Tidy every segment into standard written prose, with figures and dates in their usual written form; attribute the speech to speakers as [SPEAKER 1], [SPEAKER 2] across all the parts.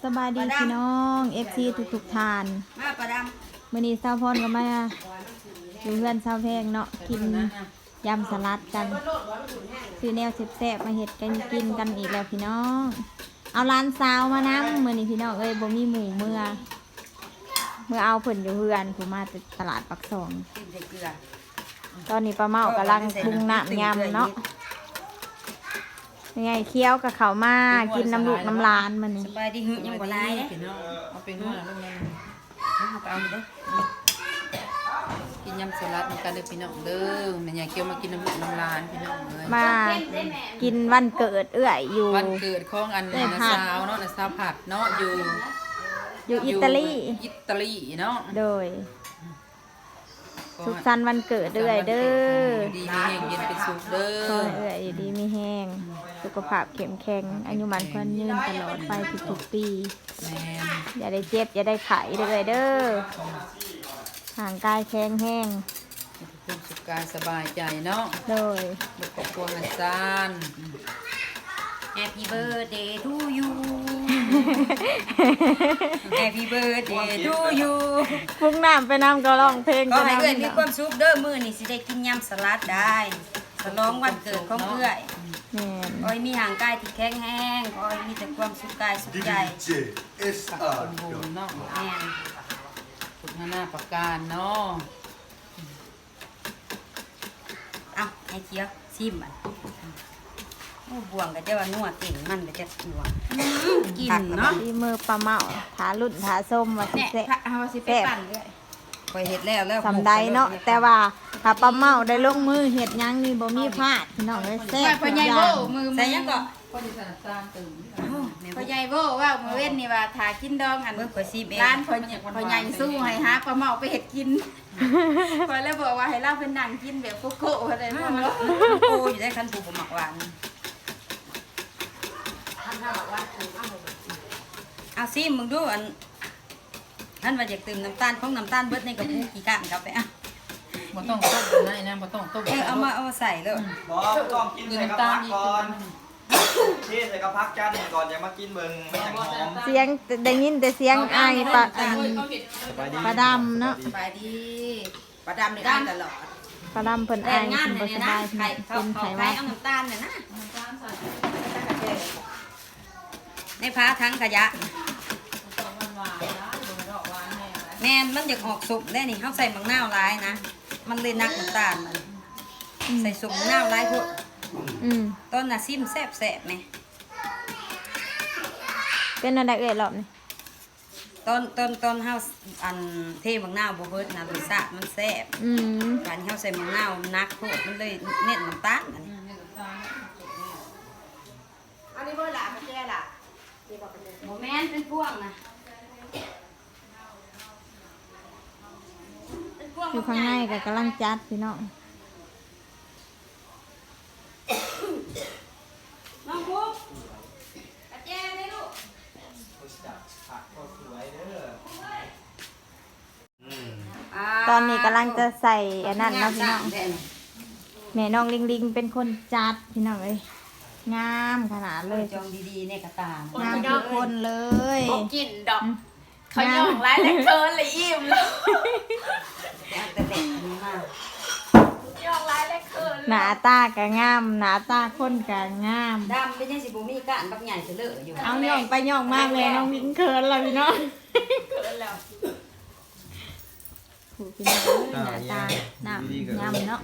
[SPEAKER 1] สบายดีพี่น้องFC ทุกทาน
[SPEAKER 2] มาประด
[SPEAKER 1] มื้อนี้สาวพรก็มาอยู่เพื่อนสาวแพงเนาะกินยำสลัดกันซื้อแนวแซ่บๆมาเฮ็ดกันกินกันอีกแล้วพี่น้องเอาร้านสาวมานำมื้อนี้พี่น้องบ่มีหมูเมื่อเอาเพิ่นอยู่เพื่อนผู้มาตลาดปักซองตอนนี้ป้าเมากำลังปรุงน้ำยำเนาะยังไงเคี้ยวกับเขามากินน้ำลูกน้ำลานมันนี่
[SPEAKER 2] สบายดีหึยังบ่ลายเด้
[SPEAKER 3] เอาเป็นว่าเรื่องนั้น
[SPEAKER 2] เอาไปเอาเด้อ
[SPEAKER 3] กินยำสลัดเหมือนกันเลยพี่น้องเด้อแม่ยายเคี้ยวมากินน้ำลูกน้ำลานพี่น้องเลย
[SPEAKER 1] มากินวันเกิดเอื้อยอยู่
[SPEAKER 3] วันเกิดของอันนะสาวเนาะนะสาวผัดเนาะ
[SPEAKER 1] อยู่อิตาลี
[SPEAKER 3] เนาะ
[SPEAKER 1] โดยสุขสันต์วันเกิดเอื้อยเด้อ
[SPEAKER 3] ดีมีแห้งเย็นเป็นสุขเด้อ
[SPEAKER 1] เอื้อยดีมีแห้งสุขภาพเข้มแข็งอายุมันควรยืนตลอดไปทุกๆปีอย่าได้เจ็บอย่าได้ไข้เด้อเด้อห่างกายแข็งแห้ง
[SPEAKER 3] ความสุขกายสบายใจเนาะ
[SPEAKER 1] โดย
[SPEAKER 3] บุกครอบครัวหันซาน
[SPEAKER 2] Happy birthday to you Happy birthday to you
[SPEAKER 1] ฟุ้งน้ำไปน้ำก็ร้องเพลง
[SPEAKER 2] ก็ให้เอื้อยมีความสุขเด้อมื้อนี้สิได้กินยำสลัดได้ฉลองวันเกิดของเอื้อย
[SPEAKER 1] แม่น
[SPEAKER 2] ขอให้มีห่างกายที่แข็งแรงขอให้มีแต่ความสุขกายสุขใจ
[SPEAKER 3] คนโบนเนาะ
[SPEAKER 2] แม่น
[SPEAKER 3] ฝึกหน้าประการเนาะ
[SPEAKER 2] เอาให้เคี้ยวชิมมันโอ้บ่วงก็จะว่านัวเก่งมันก็จะนัวกินเนาะ
[SPEAKER 1] ที่มือปลาเมาถาลุ่นถาส้มว่าสิแซ่บ
[SPEAKER 2] แซ่บคอยเห็ดแล้ว
[SPEAKER 1] สำใดเนาะแต่ว่าถ้าปลาเมาได้ลงมือเห็ดยังนี่บ่มีพลาดพี่น้องเลยแซ่บทุกอย่าง
[SPEAKER 2] ใส่ยังก็
[SPEAKER 3] ก็ดิฉันตามตื่น
[SPEAKER 4] พ่อใหญ่โบ้ว่ามื้อเว้นนี่ว่าถ้ากินดองอันร้านพ่อใหญ่สู้ให้หาปลาเมาไปเฮ็ดกินพอแล้วบอกว่าให้เราเพิ่นนั่งกินแบบโกโก้อะไรพวกนั้น
[SPEAKER 2] โอ้อยู่ได้คันปูหมักหวานเอาซิมึงดูอันท่านว่าอยากตื่มน้ำตาลของน้ำตาลเบิดในกระปุกกี่ก้านกับไปอ่ะ
[SPEAKER 3] บ่ต้องต้มกันนะบ่ต้องต้ม
[SPEAKER 2] เอามาใส่เลย
[SPEAKER 5] บ่ต้องกินใส่กระพักก่อนที่ใส่กระพักจันก่อนจะมากินเบิ่งมันจะหอม
[SPEAKER 1] เสียงได้ยินแต่เสียงไอปลาดำเนาะ
[SPEAKER 2] สบายดีปลาดำนี่ได้ตลอด
[SPEAKER 1] ปลาดำเพิ่นไอกินบ่สบายกินไข่ว่า
[SPEAKER 2] เอาน้ำตาลน่ะนะในพาทั้งขยะแม่นมันอยากออกสุกได้นี่เขาใส่มังนาวร้ายนะมันเลยนักน้ำตาลมันใส่สุกมังนาวร้ายพวกต้นน่ะซิมแซ่บไหม
[SPEAKER 1] เป็นอะไรเอ่ยหรอบนี่
[SPEAKER 2] ต้นเฮาอันเทมังนาวบ่เบิดนะรสชาติมันแซ่บการเฮาใส่มังนาวนักโคตรมันเลยเน้นน้ำตาลอันนี้บ่ล่ะแก่ล่ะบ่แม่นเป็นพวงนะ
[SPEAKER 1] อยู่ข้างในก็กำลังจัดพี่น้อง
[SPEAKER 2] น้องพุกกระเจี๊ยบเลยลูก
[SPEAKER 1] ตอนนี้กำลังจะใส่อันนั้นนะพี่น้องแม่น้องลิงเป็นคนจัดพี่น้องเลยงามขนาดเลย
[SPEAKER 2] จองดีๆในกระตาง
[SPEAKER 1] ามทุกคนเลย
[SPEAKER 4] กินดอกเขาย่องร้ายแต่เกินเลยอิ่มเลย
[SPEAKER 2] แต่เด็กนี้มาก
[SPEAKER 4] ย่องร้ายแต่เกิน
[SPEAKER 1] หน้าตาก็งามหน้าตาคนก็งาม
[SPEAKER 2] ดำเป็นยังสิบุมีก้านบักใหญ่เสลืออยู่
[SPEAKER 1] เอาย่องไปย่องมากเลยน้องลิงเขินเลยพี่น้อง
[SPEAKER 4] เกินแล้ว
[SPEAKER 1] ผูกพี่น้องหน้าตาหน้างามเนาะ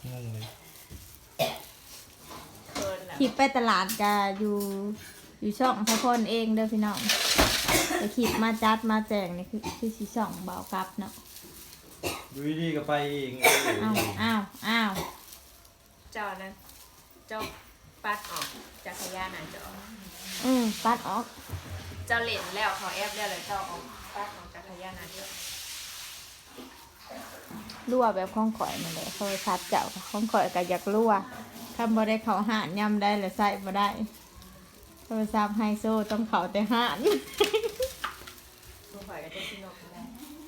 [SPEAKER 1] คลิปไปตลาดก็อยู่ช่องพระพลเองเด้อพี่น้องแต่คลิปมาจัดมาแจงนี่คือสิช่องเบากับเนาะ
[SPEAKER 5] ดูดีก็ไปเอง
[SPEAKER 1] อ้าว
[SPEAKER 4] จอนั้นเจ้าปัดออกจากขยะนั่นจอ
[SPEAKER 1] ปัดออก
[SPEAKER 4] เจ้าเล่นแล้วเขาแอบแล้วเลยเจ้าออกปัดออกจากขยะนั่นเยอะ
[SPEAKER 1] รั่วแบบข้องข่อยนั่นแหละโทรศัพท์เจ้าข้องข่อยก็อยากรั่วคำบ่ได้เขาหานย่ำได้หรือใส่บ่ได้โทรศัพท์ไฮโซต้องเขาแต่หาน
[SPEAKER 4] ตัวข่อยก็จะชินกแล้ว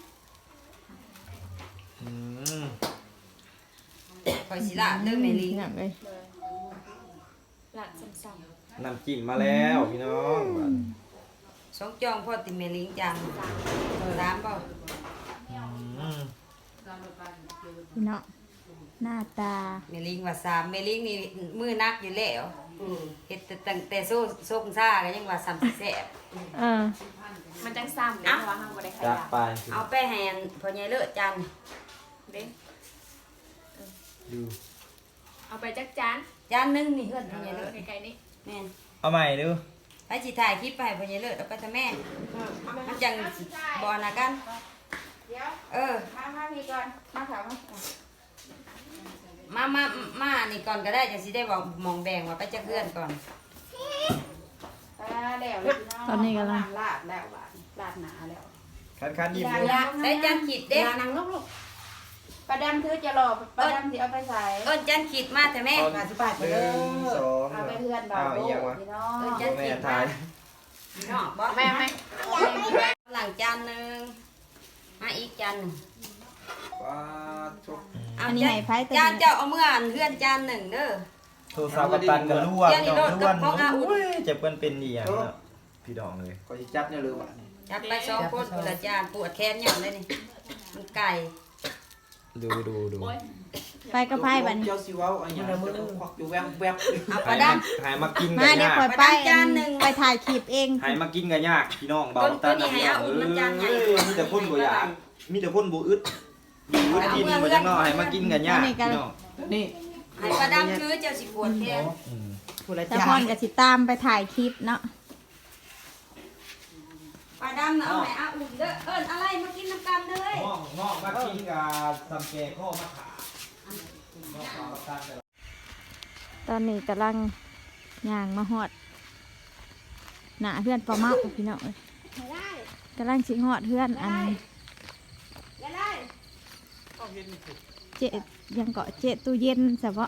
[SPEAKER 2] ข่อยสิละเด้อแม่ลิง
[SPEAKER 1] นั่นเลย
[SPEAKER 4] หลังซ้ำ
[SPEAKER 5] น้ำจิ้มมาแล้วพี่น้อง
[SPEAKER 2] 2 จองพ่อติแม่ลิงจัง3บ่
[SPEAKER 1] พี่เนาะหน้าตา
[SPEAKER 2] แม่ลิงว่า3แม่ลิงนี่มือนักอยู่แล้วเฮ็ดแต่ตั้งแต่โซ่กซ่าก็ยังว่า3สิแซ่บ
[SPEAKER 4] มันจังซ้ำเด้เพราะว่าเฮาบ่ได้ข
[SPEAKER 5] จั
[SPEAKER 4] ยั
[SPEAKER 5] ด
[SPEAKER 4] น
[SPEAKER 5] ไป
[SPEAKER 2] เอาไปให้พ่อใหญ่เลิศจัน
[SPEAKER 4] เด้
[SPEAKER 5] ดู
[SPEAKER 4] เอาไปจักจาน
[SPEAKER 2] จานหนึงนี่เฮือนพ่อใหญ่เลิศ
[SPEAKER 4] ไกลๆนี่
[SPEAKER 2] แม่น
[SPEAKER 5] เอาใหม่ดู
[SPEAKER 2] ไปสิถ่ายคลิปไปให้พ่อใหญ่เลิศเอาไปทำแม่มันจังบ่น่ะกัน
[SPEAKER 4] เดี๋ยว
[SPEAKER 2] เออ
[SPEAKER 4] มาพี่ก่อนมาค่ะมา
[SPEAKER 2] มานี่ก่อนก็ได้จะสิได้บอกมองแบ่งว่าไปจักเฮือนก่อน
[SPEAKER 4] แล้วเลยพี่น้อง
[SPEAKER 1] ตอนนี้กำลัง
[SPEAKER 4] ลาดแล้วหวานลาดหนาแล้ว
[SPEAKER 5] คันๆหยิบดู
[SPEAKER 2] ได้จานขีดเด้
[SPEAKER 4] นั่งลูกๆประดำถือจะรอประดำสิเอาไปใส่
[SPEAKER 2] เอิ้นจานขีดมาแต่แม่
[SPEAKER 5] 1 2
[SPEAKER 4] เอาไปเพื่อนเบา
[SPEAKER 5] อ้าว
[SPEAKER 4] ลู
[SPEAKER 5] อีหยั
[SPEAKER 4] ก
[SPEAKER 5] งวะ
[SPEAKER 4] พี่น้อง
[SPEAKER 2] เอิ้นจาน
[SPEAKER 5] แม่
[SPEAKER 2] ขีด
[SPEAKER 5] ทาย
[SPEAKER 2] เนาะบ่
[SPEAKER 4] แม่ไหม
[SPEAKER 2] หลังจานหนึงมาอีกจานหนึง
[SPEAKER 5] ว้าทุก
[SPEAKER 1] อันนี้ให้ไผแต่
[SPEAKER 2] จานเจ้าเอาเมื่ออันเฮือนจานหนึ่งเด้อ
[SPEAKER 5] โทรศัพท์กับตันกับล้วน
[SPEAKER 2] เดี๋ยวนี้
[SPEAKER 5] น้อง
[SPEAKER 2] โด
[SPEAKER 5] ล้วน
[SPEAKER 2] ดกับพ่ออาอุ่น
[SPEAKER 5] โอ้ยเจ็บเปิ้นเป็นอีหยังเนาะพี่น้องเลย
[SPEAKER 6] ก็จะจับเนี่ยเลยว่ะ
[SPEAKER 2] จับไป2 คนคนละจานปวดแขนหย่อนเลยนี่มันไก่
[SPEAKER 5] ดู
[SPEAKER 1] ไปกับไผบัดนี้
[SPEAKER 6] เจ้าสิเว้าอันอย่างจะต้องควักอยู่แวบแวบ
[SPEAKER 2] เอาปลาด
[SPEAKER 5] หายมากิน
[SPEAKER 1] มา
[SPEAKER 5] กัน
[SPEAKER 1] เดี๋ยวย
[SPEAKER 5] าก
[SPEAKER 1] ข่อยไป
[SPEAKER 2] จานหนึ่ง
[SPEAKER 1] ไปถ่ายคลิปเอง
[SPEAKER 5] หายมากินกันยากพี่น้องเบา
[SPEAKER 2] ตัว
[SPEAKER 5] ตัน
[SPEAKER 2] นี้ให้อาอุ่นมันจานใหญ่
[SPEAKER 5] มีแต่คนบ่อยากมีแต่คนบ่อึดอยู่อึดกินบ่จังเนาะหายมากินกันยากพี่น้อง
[SPEAKER 6] นี่
[SPEAKER 2] ำให้ปลาดำคือเจ้าสิปวดแขน
[SPEAKER 5] อืม
[SPEAKER 6] ผู้ละ
[SPEAKER 1] แต่
[SPEAKER 6] จ้า
[SPEAKER 1] พรก็สิตามไปถ่ายคลิปเนาะ
[SPEAKER 2] ปลาดำน่ะเอาให้อาอุ่นเด้อเอิ้นอะไรมากินน้ำกันเด้อเฮ้ย
[SPEAKER 5] งอกมากินกับซำแกข้อมะขาม
[SPEAKER 1] ตอนนี้กำลังย่างมาฮอดหน้าเพื่อนปลาเมาพี่น้องเอ้ยกำลังสิฮอดเพื่อนอันเจยังเกาะเจตู้เย็นซะบ่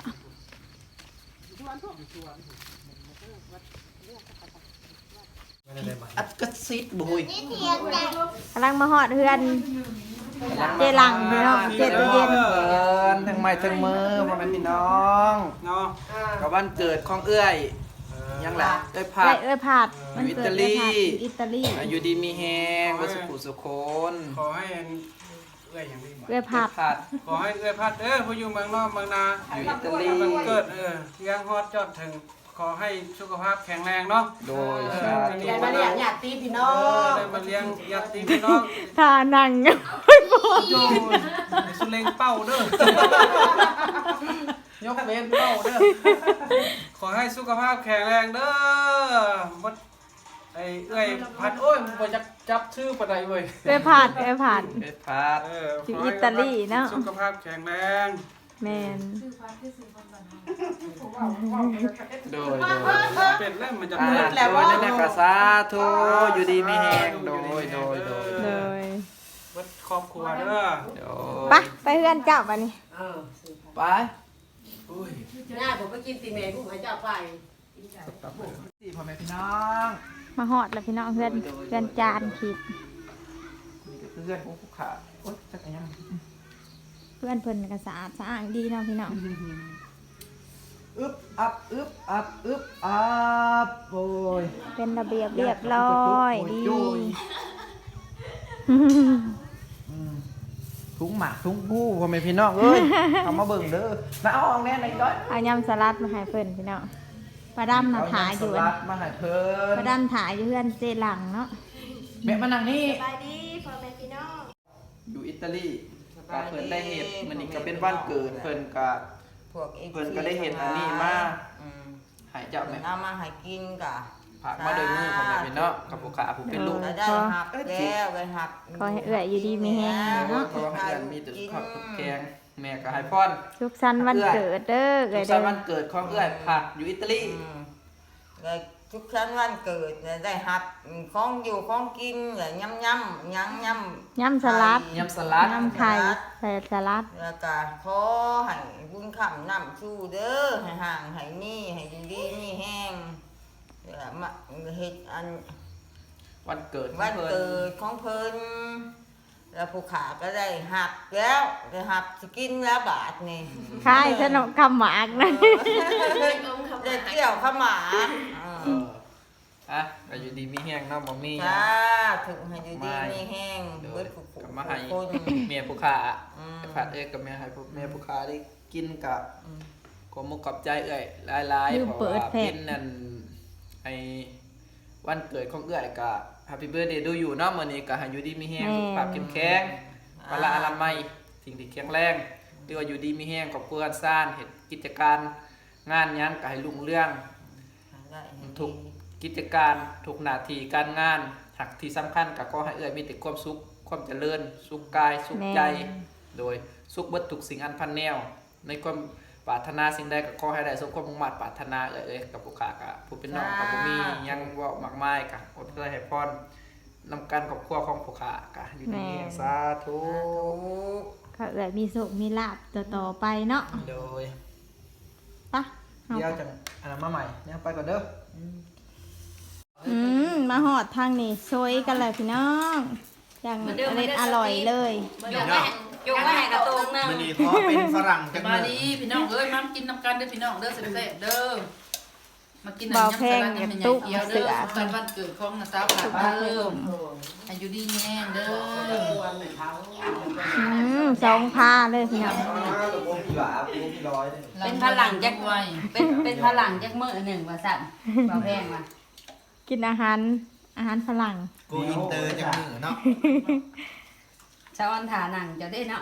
[SPEAKER 6] อัดกระซิดบุย
[SPEAKER 1] กำลังมาฮอดเพื่อนเจหลังพี่น้องเจตู้เย็น
[SPEAKER 6] ทั้งไม้ทั้งมือพ่อแม่พี่น้องเนาะกับวันเกิดของเอื้อยยังล่ะเอ้ยผัด
[SPEAKER 1] เอ้ยผัดมันเกิด
[SPEAKER 6] อยู่
[SPEAKER 1] อิตาลี
[SPEAKER 6] อยู่ดีมีแฮงวัสุขุสุคน
[SPEAKER 7] ขอให้เอื้อยอย่างนี้บ่
[SPEAKER 1] เอ้ยผัด
[SPEAKER 6] ผัด
[SPEAKER 7] ขอให้เอื้อยพัดผู้อยู่เมืองนอกเมืองนา
[SPEAKER 6] อยู่อิตาลี
[SPEAKER 7] มันเกิดยังฮอดจอดถึงขอให้สุขภาพแข็งแรงเนาะ
[SPEAKER 6] โดย
[SPEAKER 7] เออ
[SPEAKER 6] สา
[SPEAKER 7] จะ
[SPEAKER 6] ธุ
[SPEAKER 7] ได้มาเลี้ยงญาติพี่น้องได้มาเลี้ยงญาติพี่น้อง
[SPEAKER 1] ทานังไม่พอ
[SPEAKER 7] โยนสุเลงเป้าเด้อย
[SPEAKER 6] กเว้นเป้าเด้อ
[SPEAKER 7] ขอให้สุขภาพแข็งแรงเด้อบ่ไอ้เอื้อยพัดโอ้ยบ่จักจับชื่อปานใดเว้ย
[SPEAKER 1] เอ้ยผัดเอ้ยผัด
[SPEAKER 6] เอ้ยผัด
[SPEAKER 1] อยู่อิตาลีเนาะ
[SPEAKER 7] สุขภาพแข็งแรง
[SPEAKER 1] แมน
[SPEAKER 6] โดย
[SPEAKER 7] เป็นแล้วมันจะ
[SPEAKER 6] โดยแล้วว่านั่นก็สาธุอยู่ดีมีแฮงโดย
[SPEAKER 1] เลย
[SPEAKER 7] เบิดครอบครัวเด้อ
[SPEAKER 1] ไปเพื่อนเจ้าบัดนี้
[SPEAKER 6] ไป
[SPEAKER 2] น่าผมไปกินตีแม่ผู้ให้เจ้าไป
[SPEAKER 6] สี่พ่อแม่พี่น้อง
[SPEAKER 1] มาฮอดแล้วพี่น้องเพื่อนเพื่อนจานขีด
[SPEAKER 6] เพื่อนของผู้ขาโอ๊ยจักรยาน
[SPEAKER 1] เพื่อนเพิ่นก็สะอาดสะอ้างดีเนาะพี่น้อง
[SPEAKER 6] อึบอับอึบอับอึบอับโอ้ย
[SPEAKER 1] เป็นระเบียบเรียบร้อยดี
[SPEAKER 6] ถุงหมากถุงผู้พ่อแม่พี่น้องเอ้ย เอามาเบิ่งเด้อมาเอาออกแน่ไหนก้อย
[SPEAKER 1] เอายำสลัดมาให้เพิ่นพี่น้องปลาดำน่ะถ่ายอยู่
[SPEAKER 6] เสลัดมาให้เพิ่
[SPEAKER 1] ปลาน ดำถ่ายอยู่เพื่อนเจหลังเนาะ
[SPEAKER 6] แม่มานั่งนี่
[SPEAKER 4] ไปดีพ่อแม่พี่น้อง
[SPEAKER 6] อยู่อิตาลีก็เพิ่นได้เห็ดมันนี่ก็เป็นวันเกิดเพิ่นก็
[SPEAKER 2] พวกเอง
[SPEAKER 6] เพิ่นก็ได้เห็ดอันนี้มาให้เจ้าแม่
[SPEAKER 2] เอามาให้กินกะ
[SPEAKER 6] ผักมาโดยมือพ่อแม่พี่น้องกับผู้ขาผู้เป็นลูก
[SPEAKER 2] ได้หักแล้วไปหัก
[SPEAKER 1] ขอให้เอื้อยอยู่ดีมีแฮงเนาะ
[SPEAKER 6] เพราะว่าเพื่อนมีแต่ข้าวกับแกงแม่ก็ให้พร
[SPEAKER 1] สุขสันต์วันเกิดเด้อ
[SPEAKER 6] สุ
[SPEAKER 1] เอ้
[SPEAKER 6] ข
[SPEAKER 1] ย
[SPEAKER 6] สั
[SPEAKER 1] เด้
[SPEAKER 6] นต์
[SPEAKER 1] อ
[SPEAKER 6] วันเกิดของเอื้อยผักอยู่อิตาลี
[SPEAKER 2] เลยทุกครั้งวันเกิดได้หักของอยู่ของกินเลยย่ำย่ำยังย่ำ
[SPEAKER 1] ยำสลัด
[SPEAKER 6] ยำสลัด
[SPEAKER 1] ยำไข่ใส่สลัด
[SPEAKER 2] แล้วก็ขอให้บุญคำนำชูเด้อให้ห่างให้นี่ให้อยู่ดีนี่แห้งแล้วมาเฮ็ดอัน
[SPEAKER 6] วันเกิดของ
[SPEAKER 2] วัน
[SPEAKER 6] เพิ่น
[SPEAKER 2] เกิดของเพิ่นแล้วผู้ขาก็ได้หักแล้วได้หักสกินแล้วบาทนี่
[SPEAKER 1] คายขนมคำหมากนะ
[SPEAKER 2] ได้เกี่ยวข้าวหมา
[SPEAKER 6] เอออ่ะก็อยู่ดีมีแห้งเนาะบ่มีหยัง
[SPEAKER 2] จ้าถึงให้อยู่ดีมีแห้ง
[SPEAKER 6] โด
[SPEAKER 2] เบิ
[SPEAKER 6] ย
[SPEAKER 2] ดผู้
[SPEAKER 6] ก็มาให้
[SPEAKER 2] คน
[SPEAKER 6] เมียผู้ค้าไปผัดเอกกับเมียให้เมียผู้ค้าได้กินกับขอมุกขอบใจเอ้ยหลายๆเพราะว่าเป็นนั่นไอ้วันเกิดของเอ้ยก็แฮปปี้เบิร์ธเดย์ดูอยู่เนาะมื้อนี้ก็ให้อยู่ดีมีแห้งสุขภาพเข้มแข็งพละอนามัยสิ่งที่แข็งแรงเรียกว่าอยู่ดีมีแห้งครอบครัวกันซ่านเฮ็ดกิจการงานหยังก็ให้รุ่งเรืองทุกกิจการทุกหน้าที่การงานหักที่สำคัญก็ขอให้เอ้ยมีแต่ความสุขความเจริญสุขกายสุขใจโดยสุขเบิดทุกสิ่งอันพันแนวในความปรารถนาสิ่งใดก็ขอให้ได้สมความมุ่งมั่นปรารถนาเอ้ยกับผู้ค้าก็ผู้เป็นน้องก็บ่มีหยังเว้ามากมายก็อดทนให้พรนำกันครอบครัวของผู้ค้าก็อยู่ดีมีแรงสาธุ
[SPEAKER 1] ก็เอื้อยมีสุขมีลาภต่อๆไปเนาะ
[SPEAKER 6] โดย
[SPEAKER 1] ปะเอา
[SPEAKER 6] เดี๋ยวจังอันนั้นมาใหม่เนี่ยไปก่อนเด้อ
[SPEAKER 1] มาหอดทางนี้ซวยกันเลยพี่น้องอย่างอร่อยเลย
[SPEAKER 2] ยกไว้ให้กระตุกนึง
[SPEAKER 5] มันนี่ขอเป็นฝรั่งจัง
[SPEAKER 3] มา
[SPEAKER 5] เลย
[SPEAKER 3] ดีพี่น้องเอ้ยมากินน้ำกันเด้อพี่น้องเด้อแซ่บๆเด้อมากิน
[SPEAKER 1] เบาแพง
[SPEAKER 3] น้ำ
[SPEAKER 1] กับ
[SPEAKER 3] มัน
[SPEAKER 1] ตุ๊ก
[SPEAKER 3] เกียว
[SPEAKER 1] เสื
[SPEAKER 3] เด้อ
[SPEAKER 1] อ
[SPEAKER 3] ตอนวันเกิดของน้าสาวผ่านมาเริ่มอายุดีแน่เด้อ
[SPEAKER 1] สองพาเลยพี่น้อง
[SPEAKER 5] ผมพี่หวาผมพี่ร้อย
[SPEAKER 2] เป็นพลังจัก
[SPEAKER 3] ไว้
[SPEAKER 2] เป็นพลังจักมื้อหนึ่งว่าสั่นบ่แพงว่ะ
[SPEAKER 1] กินอาหารฝรั่ง
[SPEAKER 5] กูอินเตอร์จังมือเนาะ
[SPEAKER 2] ชาวอันถาหนังจะได้เนาะ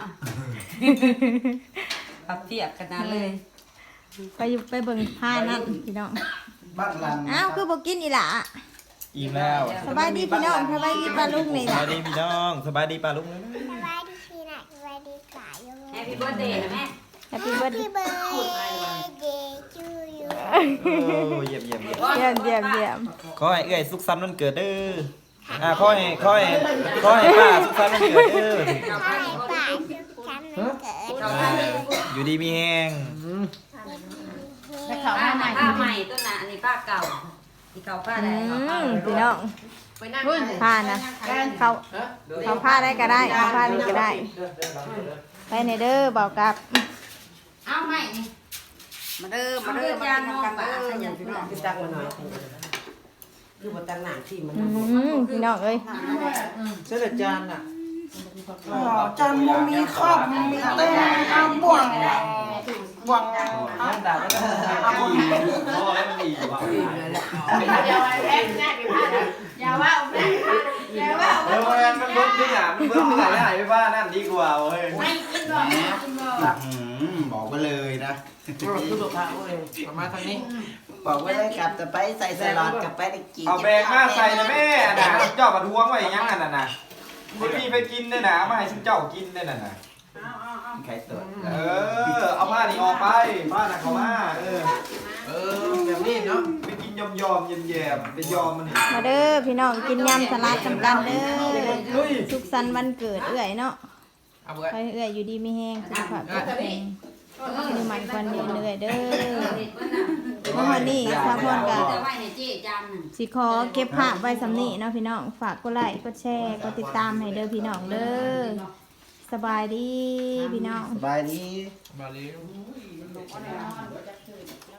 [SPEAKER 2] ปับเพียบขนาดเลย
[SPEAKER 1] ไปเบิ่งผ้านั่นพี่น้อง
[SPEAKER 6] บ้านหลัง
[SPEAKER 1] อ้าวคือบอกกินอีหล่ะ
[SPEAKER 5] อิ่มแล้ว
[SPEAKER 1] สบายดีพี่น้องสบายดีปลาลูกนี่
[SPEAKER 5] สบายดีพี่น้องสบายดีป่าลุงเลยนะ
[SPEAKER 8] สบายดีพี่นะสบายดีกว่าอยู่
[SPEAKER 2] แฮปปี้เบิร์ธเดย์นะแม่
[SPEAKER 1] แฮปปี้เบิร์ด
[SPEAKER 8] พี่เบิร์ดเดย์จูยู
[SPEAKER 5] โอ้เยี่ยม
[SPEAKER 1] เยี่ยม
[SPEAKER 5] ขอให้เอ้ยสุขสันต์วันเกิดเด้อขอให้ป้าสุขสันต์วันเกิดเด้อ
[SPEAKER 8] ขอให้ป่าสุขสันต์วันเกิด
[SPEAKER 5] อยู่ดีมีแห้ง
[SPEAKER 2] ผ้าใหม่ตัวน่ะอันนี้ผ้าเก่าที่เขาผ้าได้เขาผ้า
[SPEAKER 1] พี่น้องผ้านะเขาผ้าได้ก็ได้เขาผ้านี่ก็ได้ ไปในเด้อบอกกับ
[SPEAKER 2] เอาใหม่นี่มาเด้อจานน้องป่าขยันพี่น้อง
[SPEAKER 9] ตักมาหน่อยคือบ่ตักหนังที่มัน
[SPEAKER 1] พี่น้องเอ้ย
[SPEAKER 6] เสื้อจานน่ะจานมุมมีครอบมีเต้อาบ่วงน้ำดาบแล้วอาบ่วง
[SPEAKER 5] พอแล้วมันดีว่ะ
[SPEAKER 4] อย่าว่าอย่าว่า
[SPEAKER 5] มันเบิ้ลขึ้นอ่ะมันเบิ้ลขึ้นไหนไปบ้านนั่นดีกว่าเว้ย
[SPEAKER 4] ไม่กินบ่กินบ่
[SPEAKER 9] บอกไปเลยนะ
[SPEAKER 6] คือตัวพระเว้ยประมาณทางนี้
[SPEAKER 9] บอกไว้เลยกลับแต่ไปใส่สลัดกลับไปได้กิน
[SPEAKER 5] เอาแบกมาใส่นะแม่นะเจ้ามาทวงไว้ยังนั่นน่ะคุณพี่ไปกินได้นะมาให้ฉันเจ้ากินได้น่ะ
[SPEAKER 9] ใครตัว
[SPEAKER 5] เอาผ้านี่ออกไปผ้าน่ะเขามา
[SPEAKER 6] แบบนี้เนาะ
[SPEAKER 5] ไปกินยอมแย่ๆไปยอมมันนี่
[SPEAKER 1] มาเด้อพี่น้องกินยำสลัดสำกันเด้อสุขสันต์วันเกิดเอื้อยเนาะ
[SPEAKER 6] เอาเว้ย
[SPEAKER 1] ไปเอื้อยอยู่ดีไม่แห้งสุขภาพแข็งแรงมีมันควันยืนเอื้อยเด้อเมื่อวันนี้สาวพรกับ
[SPEAKER 2] จะไว้ในเจ๊จานหนึ่ง
[SPEAKER 1] สิขอเก็บภาพไว้สำนีเนาะพี่น้องฝากกดไลค์กดแชร์กดติดตามให้เด้อพี่น้องเด้อสบายดีพี่น้อง
[SPEAKER 9] สบายดี
[SPEAKER 6] มาเลย